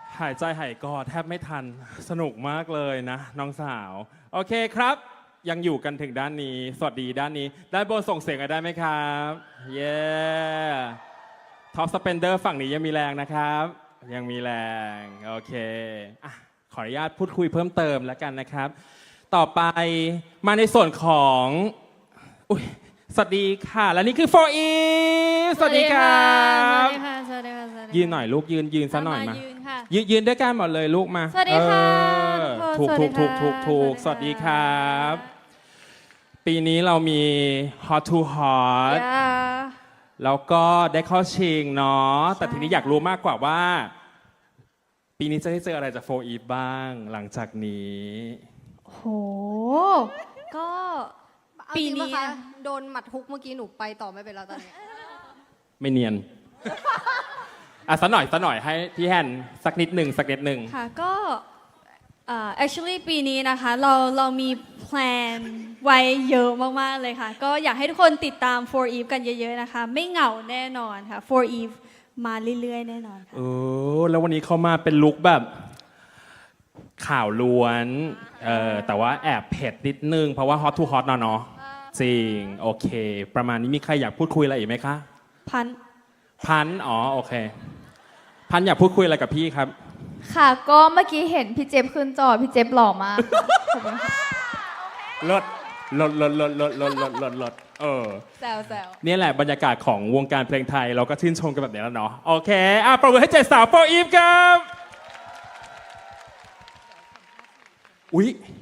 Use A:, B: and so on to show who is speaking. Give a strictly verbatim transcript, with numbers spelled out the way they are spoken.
A: หายใจหายคอแทบไม่ทันสนุกมากเลยนะน้องสาว โอเคครับ ยังอยู่กันถึงด้านนี้ สวัสดีด้านนี้ ด้านบนส่งเสียงกันได้ไหมครับ เย้ท็อปสเปนเดอร์ฝั่งนี้ยังมีแรงนะครับ ยังมีแรง โอเคอ่ะขออนุญาตพูดคุยเพิ่มเติมแล้วกันนะครับ ต่อไปมาในส่วนของอุ๊ยสวัสดีค่ะ และนี่คือ โฟร์ อีฟ สวัสดีครับ
B: สวัสดีค่ะ สวัสดีค่ะ สวัสดีค่ะ
A: ยืนหน่อยลูกยืนยืนซะหน่อยมา
B: ยืนค่ะ
A: ยืนยืนด้วยกันหมดเลยลูกมา
B: สวัสดีค่ะ
A: เออ
B: ทุ
A: ถู
B: ก
A: ก
B: คน
A: ถูก
B: ส
A: ถู
B: วั
A: ก
B: สดีค่ะ
A: ถูกถูกสวัสดีครับ ปีนี้เรามี Hot to Hot
B: ย่า
A: แล้วก็ได้เข้าชิงเนาะแต่
B: ใช่
A: ทีนี้อยากรู้มากกว่าว่า ปีนี้จะได้เจออะไรจากโฟร์อีฟบ้างหลังจากนี้
B: โห ก็
C: เอา
B: ปี
C: จริง
B: นี้
C: ปะคะโดนหมัดฮุกเมื่อกี้หนูไปต่อไม่เป็นแล้วตอนนี้
A: ไม่เนียน อ่ะสักหน่อยสักหน่อยให้พี่แฮนสักนิดหนึ่งสักนิดหนึ่ง
B: ค่ะ ก็เอ่อ actually ปีนี้นะคะ เราเรามีแพลนไว้เยอะมาก ๆ เลยค่ะ ก็อยากให้ทุกคนติดตาม โฟร์ อีฟ กันเยอะ ๆ นะคะ ไม่เหงาแน่นอนค่ะ โฟร์ อีฟ มาเรื่อย ๆ แน่นอนค่ะ
A: เออแล้ววันนี้เขามาเป็นลุคแบบข่าวล้วนเออแต่ว่าแอบเผ็ดนิดนึง เพราะว่า Hot to Hot เนาะเนาะจริง โอเค ประมาณนี้มีใครอยากพูดคุยอะไรอีกไหมคะ
B: พัน
A: พันธุ์อ๋อโอเค พันธุ์อยากพูดคุยอะไรกับพี่ครับ
D: ค่ะ ก็เมื่อกี้เห็นพี่เจฟขึ้นจอ พี่เจฟหล่อมากขอบคุณค่ะ
A: ลดลดลดลดลดลดลดลดลดเออ
D: แซวแซว
A: เนี่ยแหละบรรยากาศของวงการเพลงไทย เราก็ชื่นชมกันแบบนี้แล้วเนาะโอเคอ่ะปรบมือให้เจ็ดสาวโฟร์อีฟครับอุ๊ย